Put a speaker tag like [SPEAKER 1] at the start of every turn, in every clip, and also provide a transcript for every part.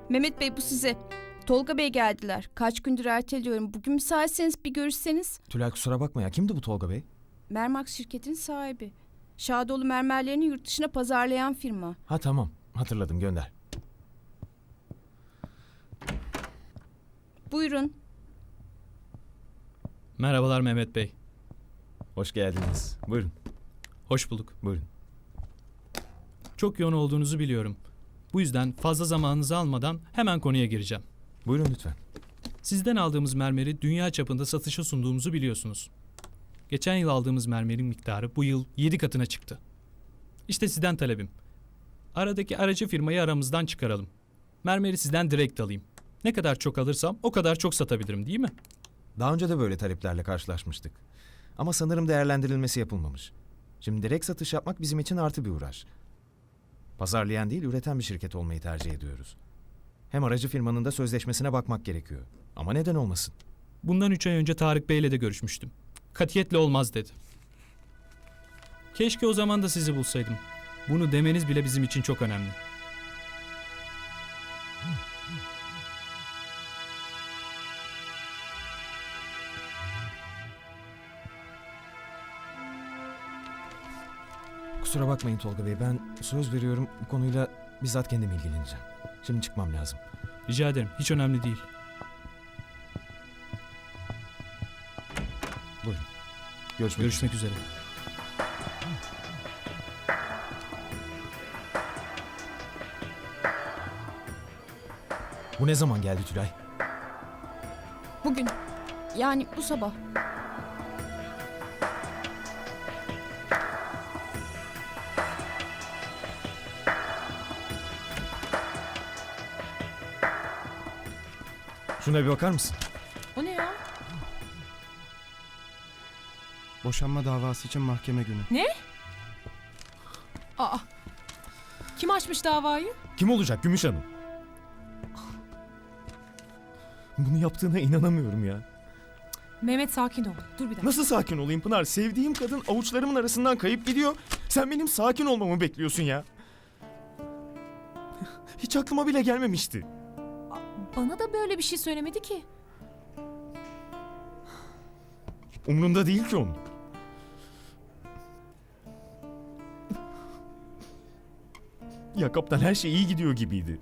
[SPEAKER 1] Mehmet Bey bu size. Tolga Bey geldiler. Kaç gündür erteliyorum. Bugün müsaitseniz bir görüşseniz.
[SPEAKER 2] Tülay kusura bakma ya. Kimdi bu Tolga Bey?
[SPEAKER 1] Mermax şirketinin sahibi. Şadoğlu mermerlerini yurt dışına pazarlayan firma.
[SPEAKER 2] Ha tamam. Hatırladım, gönder.
[SPEAKER 1] Buyurun.
[SPEAKER 3] Merhabalar Mehmet Bey.
[SPEAKER 2] Hoş geldiniz. Buyurun.
[SPEAKER 3] Hoş bulduk.
[SPEAKER 2] Buyurun.
[SPEAKER 3] Çok yoğun olduğunuzu biliyorum. Bu yüzden fazla zamanınızı almadan hemen konuya gireceğim.
[SPEAKER 2] Buyurun lütfen.
[SPEAKER 3] Sizden aldığımız mermeri dünya çapında satışa sunduğumuzu biliyorsunuz. Geçen yıl aldığımız mermerin miktarı bu yıl 7 katına çıktı. İşte sizden talebim. Aradaki aracı firmayı aramızdan çıkaralım. Mermeri sizden direkt alayım. Ne kadar çok alırsam o kadar çok satabilirim, değil mi?
[SPEAKER 2] Daha önce de böyle taleplerle karşılaşmıştık. Ama sanırım değerlendirilmesi yapılmamış. Şimdi direkt satış yapmak bizim için artı bir uğraş. Pazarlayan değil, üreten bir şirket olmayı tercih ediyoruz. Hem aracı firmanın da sözleşmesine bakmak gerekiyor. Ama neden olmasın?
[SPEAKER 3] Bundan 3 ay önce Tarık Bey'le de görüşmüştüm. Katiyetle olmaz dedi. Keşke o zaman da sizi bulsaydım. Bunu demeniz bile bizim için çok önemli.
[SPEAKER 2] Kusura bakmayın Tolga Bey, ben söz veriyorum bu konuyla bizzat kendim ilgileneceğim. Şimdi çıkmam lazım.
[SPEAKER 3] Rica ederim, hiç önemli değil.
[SPEAKER 2] Buyurun. Görüşmek
[SPEAKER 3] Görüşmek üzere.
[SPEAKER 2] Bu ne zaman geldi Tülay?
[SPEAKER 1] Bugün. Yani bu sabah.
[SPEAKER 2] Şuna bir bakar mısın?
[SPEAKER 1] O ne ya?
[SPEAKER 4] Boşanma davası için mahkeme günü.
[SPEAKER 5] Aa, kim açmış davayı?
[SPEAKER 2] Kim olacak Gümüş Hanım? Bunu yaptığına inanamıyorum ya.
[SPEAKER 5] Mehmet sakin ol. Dur bir dakika.
[SPEAKER 2] Nasıl sakin olayım Pınar? Sevdiğim kadın avuçlarımın arasından kayıp gidiyor. Sen benim sakin olmamı bekliyorsun ya. Hiç aklıma bile gelmemişti.
[SPEAKER 5] Bana da böyle bir şey söylemedi ki.
[SPEAKER 2] Umrunda değil ki onun. Ya kaptan, her şey iyi gidiyor gibiydi.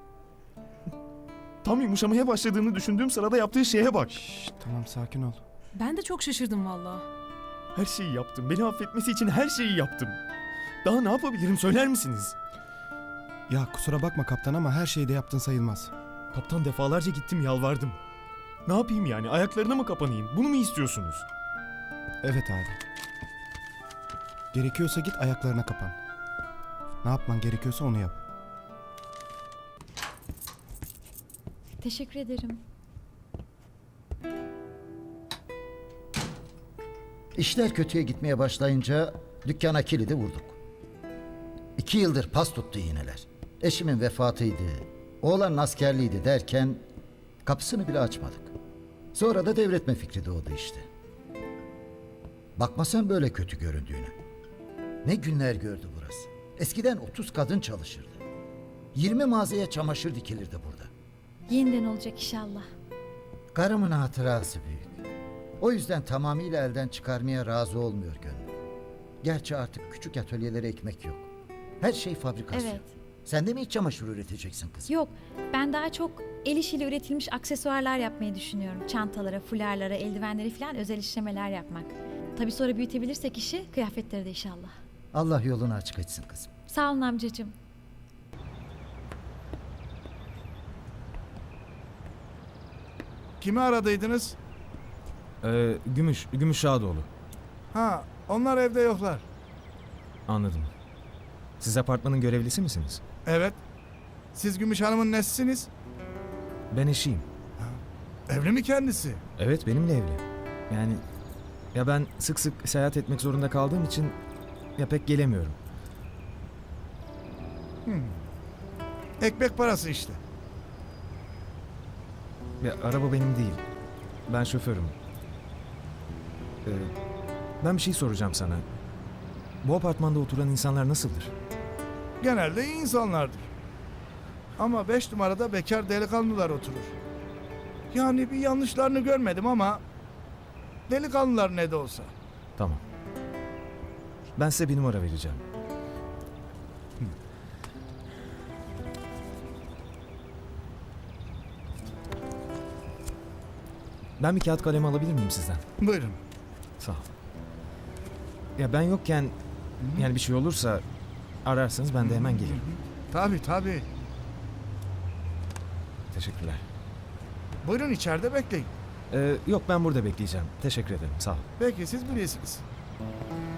[SPEAKER 2] Tam yumuşamaya başladığını düşündüğüm sırada yaptığı şeye bak.
[SPEAKER 4] Şşt, tamam sakin ol.
[SPEAKER 5] Ben de çok şaşırdım vallahi.
[SPEAKER 2] Her şeyi yaptım. Beni affetmesi için her şeyi yaptım. Daha ne yapabilirim söyler misiniz?
[SPEAKER 4] Ya kusura bakma kaptan ama her şeyi de yaptın sayılmaz.
[SPEAKER 2] Kaptan, defalarca gittim yalvardım. Ne yapayım yani? Ayaklarına mı kapanayım? Bunu mu istiyorsunuz?
[SPEAKER 4] Evet abi. Gerekiyorsa git ayaklarına kapan. Ne yapman gerekiyorsa onu yap.
[SPEAKER 6] Teşekkür ederim.
[SPEAKER 7] İşler kötüye gitmeye başlayınca dükkana kilidi vurduk. 2 yıldır pas tuttu iğneler. Eşimin vefatıydı, oğlanın askerliğiydi derken kapısını bile açmadık. Sonra da devretme fikri doğdu işte. Bakma sen böyle kötü göründüğüne. Ne günler gördü burası. Eskiden 30 kadın çalışırdı. 20 mağazaya çamaşır dikilirdi burada.
[SPEAKER 6] Yeniden olacak inşallah.
[SPEAKER 7] Karımın hatırası büyük. O yüzden tamamıyla elden çıkarmaya razı olmuyor gönlüm. Gerçi artık küçük atölyelere ekmek yok. Her şey fabrikasyon.
[SPEAKER 6] Evet.
[SPEAKER 7] Sen de mi iç çamaşır üreteceksin kızım?
[SPEAKER 6] Yok, ben daha çok el işiyle üretilmiş aksesuarlar yapmayı düşünüyorum. Çantalara, fularlara, eldivenleri falan özel işlemeler yapmak. Tabii sonra büyütebilirsek işi, kıyafetleri de inşallah.
[SPEAKER 7] Allah yolunu açık etsin kızım.
[SPEAKER 6] Sağ olun amcacığım.
[SPEAKER 8] Kimi aradıydınız?
[SPEAKER 2] Gümüş Şadoğlu.
[SPEAKER 8] Ha, onlar evde yoklar.
[SPEAKER 2] Anladım. Siz apartmanın görevlisi misiniz?
[SPEAKER 8] Evet. Siz Gümüş Hanım'ın nesisiniz?
[SPEAKER 2] Ben eşiyim.
[SPEAKER 8] Evli mi kendisi?
[SPEAKER 2] Evet, benimle evli. Yani ya ben sık sık seyahat etmek zorunda kaldığım için ya pek gelemiyorum.
[SPEAKER 8] Ekmek parası işte.
[SPEAKER 2] Ya araba benim değil. Ben şoförüm. Ben bir şey soracağım sana. Bu apartmanda oturan insanlar nasıldır?
[SPEAKER 8] Genelde iyi insanlardır. Ama 5 numarada bekar delikanlılar oturur. Yani bir yanlışlarını görmedim ama delikanlılar ne de olsa.
[SPEAKER 2] Tamam. Ben size bir numara vereceğim. Ben bir kağıt kalem alabilir miyim sizden?
[SPEAKER 8] Buyurun.
[SPEAKER 2] Sağ ol. Ya ben yokken yani bir şey olursa ararsanız ben de hemen gelirim.
[SPEAKER 8] Tabii tabii.
[SPEAKER 2] Teşekkürler.
[SPEAKER 8] Buyurun içeride bekleyin.
[SPEAKER 2] Yok ben burada bekleyeceğim. Teşekkür ederim. Sağ ol.
[SPEAKER 8] Peki siz bilirsiniz.